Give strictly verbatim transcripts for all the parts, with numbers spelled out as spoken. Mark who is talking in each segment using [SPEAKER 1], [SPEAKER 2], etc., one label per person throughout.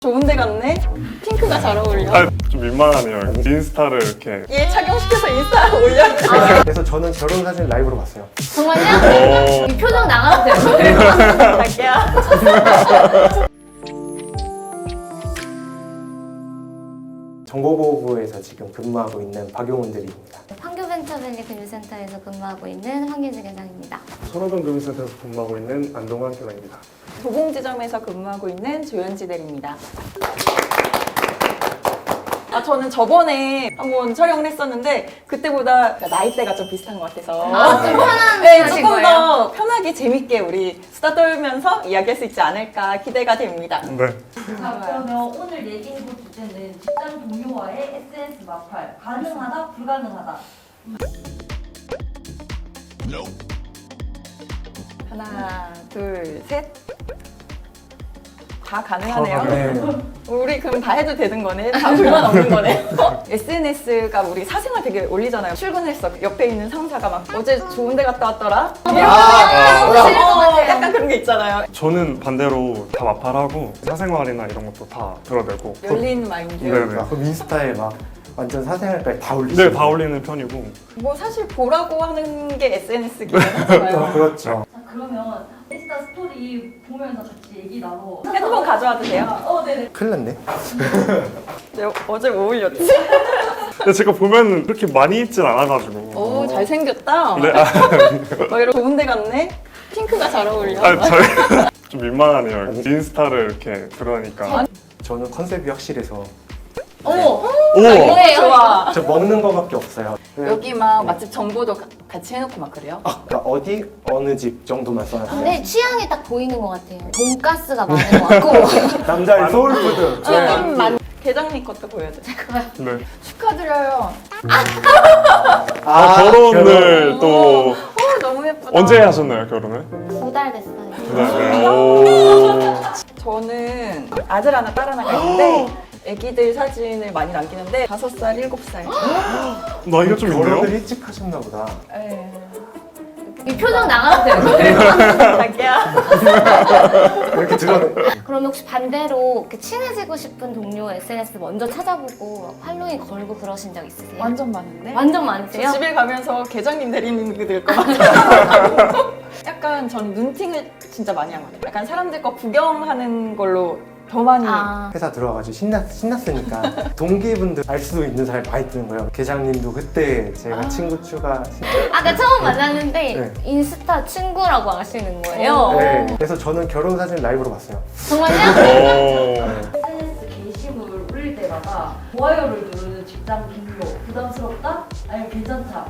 [SPEAKER 1] 좋은 데 갔네? 핑크가 잘 어울려.
[SPEAKER 2] 아, 좀 민망하네요. 인스타를 이렇게.
[SPEAKER 1] 얘 착용시켜서 인스타에 올려야 돼.
[SPEAKER 3] 아, 그래서 저는 결혼 사진 라이브로 봤어요.
[SPEAKER 4] 정말요? 이 표정 나가도 돼요?
[SPEAKER 1] 갈게요.
[SPEAKER 3] 정보보호부에서 지금 근무하고 있는 박용훈 대리입니다.
[SPEAKER 4] 황교벤처밸리 금융센터에서 근무하고 있는 황유주 계장입니다.
[SPEAKER 2] 손호동 금융센터에서 근무하고 있는 안동환 계장입니다.
[SPEAKER 1] 도봉지점에서 근무하고 있는 조현지 대리입니다. 아, 저는 저번에 한번 촬영을 했었는데 그때보다 나이대가 좀 비슷한 것 같아서
[SPEAKER 4] 아, 좀 편한
[SPEAKER 1] 네,
[SPEAKER 4] 하신
[SPEAKER 1] 조금
[SPEAKER 4] 거예요?
[SPEAKER 1] 더 편하게 재밌게 우리 수다 떨면서 이야기할 수 있지 않을까 기대가 됩니다.
[SPEAKER 2] 네.
[SPEAKER 5] 자, 그러면 오늘 얘기해볼 주제는 직장 동료와의 에스엔에스 마팔 가능하다, 불가능하다.
[SPEAKER 1] 하나, 둘, 셋. 다 가능하네요.
[SPEAKER 3] 네.
[SPEAKER 1] 우리 그럼 다 해도 되는 거네? 다 불만 없는 거네? 에스엔에스가 우리 사생활 되게 올리잖아요. 출근했어. 옆에 있는 상사가 막 어제 좋은 데 갔다 왔더라?
[SPEAKER 4] 아,
[SPEAKER 1] 어,
[SPEAKER 4] 싫을 것 같아요.
[SPEAKER 1] 약간 그런 게 있잖아요.
[SPEAKER 2] 저는 반대로 다 마팔하고 사생활이나 이런 것도 다 드러내고.
[SPEAKER 1] 열린 마인드.
[SPEAKER 2] 네네.
[SPEAKER 3] 아, 그럼 인스타에 막 완전 사생활까지 다 올리시죠?
[SPEAKER 2] 네, 다 올리는 편이고.
[SPEAKER 1] 뭐 사실 보라고 하는 게 에스엔에스긴 하잖아요.
[SPEAKER 3] 그렇죠.
[SPEAKER 5] 자, 그러면 인스타 스토리 보면서 같이 얘기 나눠.
[SPEAKER 1] 핸드폰 가져와도 돼요?
[SPEAKER 5] 어, 네네.
[SPEAKER 3] 큰일 났네.
[SPEAKER 1] 내가 어제 뭐 올렸지?
[SPEAKER 2] 근데 제가 보면 그렇게 많이 입진 않아가지고.
[SPEAKER 1] 오, 잘생겼다.
[SPEAKER 2] 네, 아,
[SPEAKER 1] 뭐 이런 좋은 데 갔네? 핑크가 잘 어울려.
[SPEAKER 2] 아 저희 좀 민망하네요. 인스타를 이렇게 드러내니까.
[SPEAKER 3] 저는 컨셉이 확실해서
[SPEAKER 4] 어머!
[SPEAKER 2] 오!
[SPEAKER 4] 뭐예요?
[SPEAKER 1] 좋아.
[SPEAKER 3] 저 먹는 거밖에 없어요.
[SPEAKER 1] 여기 막 맛집 정보도 가- 같이 해놓고 막 그래요?
[SPEAKER 3] 그러니까 어디 어느 집 정도만 써놨어요.
[SPEAKER 4] 근데 취향이 딱 보이는 것 같아요. 돈가스가 많은 것 같고.
[SPEAKER 3] 남자의 소울푸드.
[SPEAKER 1] 조금 많. 계장님 것도 보여드릴까요?
[SPEAKER 2] 네.
[SPEAKER 1] 축하드려요.
[SPEAKER 2] 아, 결혼을 또
[SPEAKER 1] 오, 너무 예쁘다.
[SPEAKER 2] 언제 하셨나요, 결혼을?
[SPEAKER 4] 두 달 됐어요.
[SPEAKER 2] 네, 네. 오.
[SPEAKER 1] 저는 아들 하나, 딸 하나가 있는데 애기들 사진을 많이 남기는데 다섯 살, 일곱 살.
[SPEAKER 2] 나이가 좀
[SPEAKER 3] 결혼을
[SPEAKER 2] 있네요?
[SPEAKER 3] 일찍 하셨나 보다.
[SPEAKER 1] 에.
[SPEAKER 4] 이 표정 나가도 돼요?
[SPEAKER 1] 갈게요.
[SPEAKER 3] 이렇게 드러내.
[SPEAKER 4] 그럼 혹시 반대로 이렇게 친해지고 싶은 동료 에스엔에스 먼저 찾아보고 팔로잉 걸고 그러신 적 있으세요?
[SPEAKER 1] 완전 많은데?
[SPEAKER 4] 완전 많으세요?
[SPEAKER 1] 집에 가면서 계장님 대리님 그될것 같아요. 약간 저는 눈팅을 진짜 많이 하거든요. 약간 사람들 거 구경하는 걸로 더 많이.
[SPEAKER 4] 아,
[SPEAKER 3] 회사 들어와가지고 신났, 신났으니까 동기분들 알 수 있는 사람이 많이 뜨는 거예요. 계장님도 그때 제가
[SPEAKER 1] 아.
[SPEAKER 3] 친구 추가
[SPEAKER 4] 아까 처음 만났는데
[SPEAKER 3] 네.
[SPEAKER 4] 인스타 친구라고 하시는 거예요?
[SPEAKER 1] 어.
[SPEAKER 3] 네. 그래서 저는 결혼 사진 라이브로 봤어요.
[SPEAKER 4] 정말요?
[SPEAKER 2] 오.
[SPEAKER 5] 에스엔에스 게시물을 올릴 때마다 좋아요를 누르는 직장 동료 부담스럽다? 아니면 괜찮다?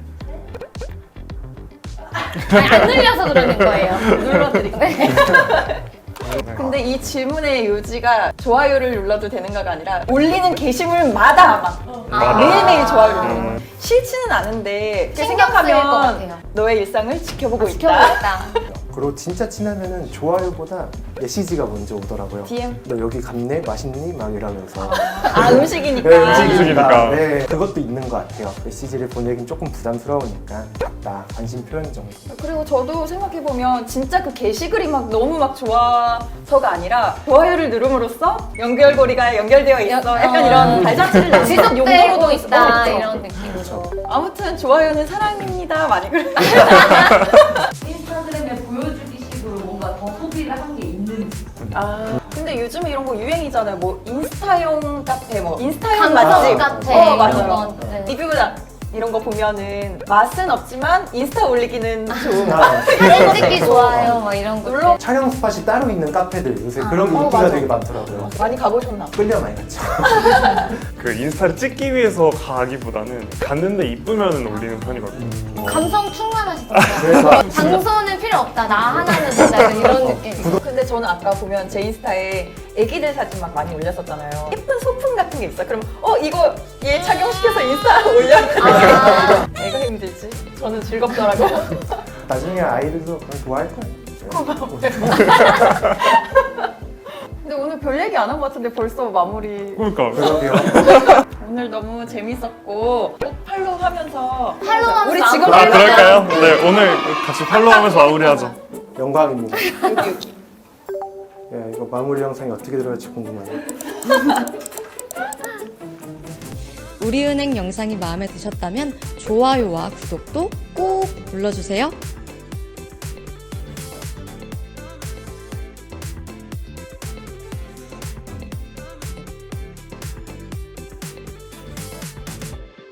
[SPEAKER 4] 아니, 안 늘려서 그러는 거예요.
[SPEAKER 1] 눌러드릴게요. 근데 이 질문의 요지가 좋아요를 눌러도 되는가가 아니라 올리는 게시물마다 막
[SPEAKER 4] 아.
[SPEAKER 1] 매일매일 좋아요를 누르는
[SPEAKER 2] 음.
[SPEAKER 1] 거예요. 싫지는 않은데
[SPEAKER 4] 신경 쓰일 것
[SPEAKER 1] 생각하면
[SPEAKER 4] 같아요.
[SPEAKER 1] 너의 일상을 지켜보고 있다.
[SPEAKER 4] 지켜보겠다.
[SPEAKER 3] 그리고 진짜 친하면은 좋아요보다 메시지가 먼저 오더라고요.
[SPEAKER 1] 디엠?
[SPEAKER 3] 너 여기 갔네? 맛있니? 막 이러면서.
[SPEAKER 1] 아, 음식이니까.
[SPEAKER 3] 네,
[SPEAKER 2] 음식이니까.
[SPEAKER 3] 네, 그것도 있는 것 같아요. 메시지를 보내긴 조금 부담스러우니까 봤다. 관심 표현 정도.
[SPEAKER 1] 그리고 저도 생각해보면 진짜 그 게시글이 막 너무 막 좋아서가 아니라 좋아요를 누름으로써 연결고리가 연결되어 있어. 약간
[SPEAKER 4] 어.
[SPEAKER 1] 이런 발자취를 남긴
[SPEAKER 4] 지속되고
[SPEAKER 1] 용도로도
[SPEAKER 4] 있다
[SPEAKER 1] 있어.
[SPEAKER 4] 이런 느낌으로.
[SPEAKER 1] 아무튼 좋아요는 사랑입니다. 많이 그래요.
[SPEAKER 5] 인스타그램에 보여주기 식으로 뭔가 더 소비를 한 게 있는지.
[SPEAKER 1] 아, 근데 요즘에 이런 거 유행이잖아요. 뭐 인스타용 카페, 뭐 인스타용
[SPEAKER 4] 감성
[SPEAKER 1] 맛집.
[SPEAKER 4] 카페
[SPEAKER 1] 어,
[SPEAKER 4] 이런
[SPEAKER 1] 맞아요.
[SPEAKER 4] 거. 네.
[SPEAKER 1] 리뷰나 이런 거 보면은 맛은 없지만 인스타 올리기는 좋은.
[SPEAKER 3] 아,
[SPEAKER 4] 사진 찍기 좋아요, 막 이런 거.
[SPEAKER 1] 물론
[SPEAKER 3] 촬영 스팟이 따로 있는 카페들 요새 그런 게
[SPEAKER 1] 어,
[SPEAKER 3] 인기가
[SPEAKER 1] 맞아.
[SPEAKER 3] 되게 많더라고요.
[SPEAKER 1] 많이 가보셨나 봐.
[SPEAKER 3] 끌려 많이 갔죠.
[SPEAKER 2] 그 인스타를 찍기 위해서 가기보다는 갔는데 이쁘면 올리는 편이거든요.
[SPEAKER 4] 감성 충만하시더라고요.
[SPEAKER 3] 그래서
[SPEAKER 4] 장소는 필요 없다. 나 하나는 된다. 이런 느낌.
[SPEAKER 1] 근데 저는 아까 보면 제 인스타에 애기들 사진 막 많이 올렸었잖아요. 예쁜 소품 같은 게 있어요. 그럼 어 이거 얘 착용시켜서 인스타에 올려야 돼.
[SPEAKER 4] 아.
[SPEAKER 1] 애가 힘들지. 저는 즐겁더라고요.
[SPEAKER 3] 나중에 아이들도 그걸 좋아할 거예요.
[SPEAKER 1] 근데 오늘 별 얘기 안 한 것 같은데 벌써 마무리.
[SPEAKER 2] 그러니까
[SPEAKER 3] 그러게요.
[SPEAKER 1] 오늘 너무 재밌었고 꼭 팔로우하면서
[SPEAKER 4] 팔로우하면서
[SPEAKER 1] 우리 지금
[SPEAKER 2] 아,
[SPEAKER 4] 마무리.
[SPEAKER 2] 그럴까요? 네, 오늘 같이 팔로우하면서 마무리하죠.
[SPEAKER 3] 영광입니다.
[SPEAKER 1] 여기 여기
[SPEAKER 3] 예, 이거 마무리 영상이 어떻게 들어갈지 궁금하네요.
[SPEAKER 6] 우리은행 영상이 마음에 드셨다면 좋아요와 구독도 꼭 눌러주세요.